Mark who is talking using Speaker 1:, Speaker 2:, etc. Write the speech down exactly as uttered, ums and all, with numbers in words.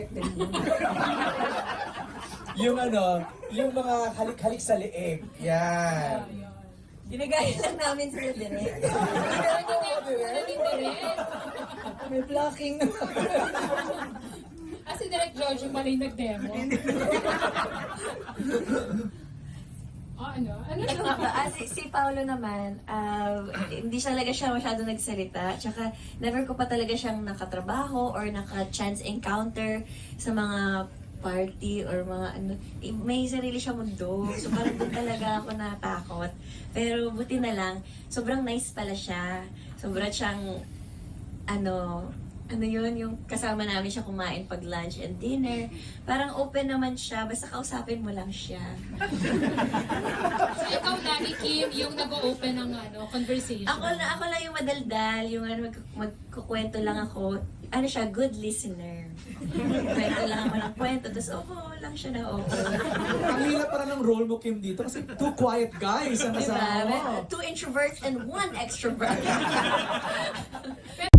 Speaker 1: Yung ano, yung mga halik-halik sa leeg. Yan.
Speaker 2: Ginagaya lang namin sila direct.
Speaker 3: Naging direct.
Speaker 2: May blocking.
Speaker 3: Ah, si Direk George yung pala yung nag-demo. Ah, ano? Ano
Speaker 2: Ito nga ba, ah, si, si Paolo naman, ah, hindi siya talaga siya masyado nagsalita. Tsaka never ko pa talaga siyang nakatrabaho or naka-chance encounter sa mga party or mga ano. Eh, May sarili siya mundo. So parang doon talaga ako natakot. Pero buti na lang, sobrang nice pala siya. Sobrang siyang, ano, ano yun, yung kasama namin siya kumain pag lunch and dinner. Parang open naman siya, basta kausapin mo lang siya.
Speaker 3: So, ikaw, Danny Kim, yung nag-open ng ano, conversation.
Speaker 2: Ako na ako lang yung madaldal, yung ano, mag, magkukwento lang ako. Ano siya, good listener. Kwento lang ako ng kwento, tapos oo lang siya na oo.
Speaker 1: Ang hirap para ng role mo, Kim, dito kasi two quiet guys ang
Speaker 2: Diba?
Speaker 1: kasama mo.
Speaker 2: Two introverts and one extrovert.